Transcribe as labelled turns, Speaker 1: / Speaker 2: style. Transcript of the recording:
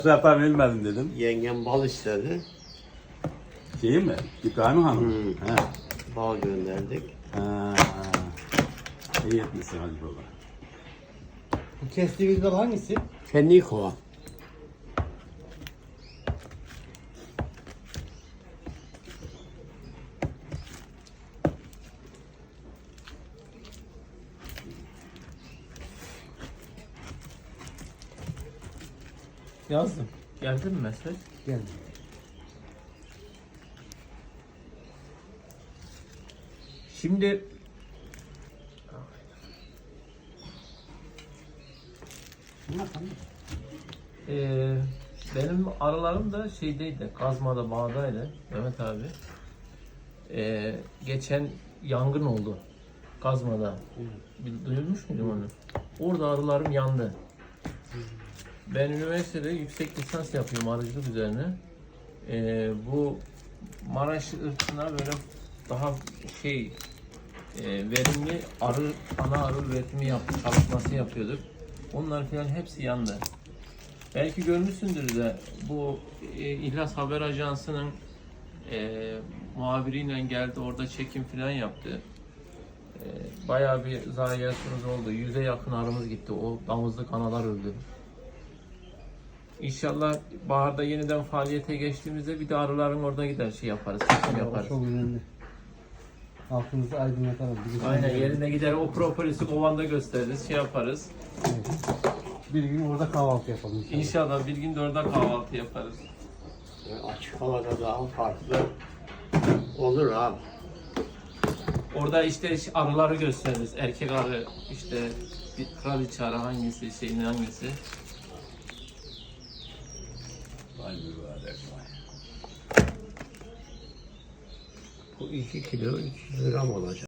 Speaker 1: Bu sefer bilmedim dedim.
Speaker 2: Yengem bal istedi.
Speaker 1: Şeyi mi? İbrahim Hanım. He.
Speaker 2: Bal gönderdik.
Speaker 1: Ha. İyi etmişsin hadi baba.
Speaker 3: Bu kestiğimiz bal hangisi?
Speaker 2: Fenlikova.
Speaker 4: Yazdım. Geldi mi mesaj?
Speaker 3: Geldi.
Speaker 4: Şimdi benim arılarım da şeydeydi, Kazma'da, bağdaydı Mehmet abi. Geçen yangın oldu Kazma'da. Duyulmuş muydun onu? Orada arılarım yandı. Ben üniversitede yüksek lisans yapıyorum arıcılık üzerine. Bu Maraş ırkına böyle daha verimli ana arı üretimi çalışması yapıyorduk. Onlar falan hepsi yandı. Belki görmüşsündür de bu İhlas Haber Ajansı'nın muhabiriyle geldi, orada çekim falan yaptı. Bayağı bir zayiatımız oldu. 100'e yakın arımız gitti. O damızlık analar öldü. İnşallah baharda yeniden faaliyete geçtiğimizde bir de arıların orada gider yaparız, çekim yaparız.
Speaker 3: Çok önemli. Halkımızı aydınlatalım.
Speaker 4: Aynen, yerine gider o propolis'i kovanda gösteririz, yaparız.
Speaker 3: Evet. Bir gün orada kahvaltı yapalım inşallah.
Speaker 4: İnşallah bir gün de orada kahvaltı yaparız.
Speaker 2: Açık havada daha farklı olur abi.
Speaker 4: Orada işte arıları gösteririz. Erkek arı, işte bir kraliçe arı hangisi, hangisi.
Speaker 1: Vay mübarek vay.
Speaker 2: Bu 2 kilo 300 gram olacak.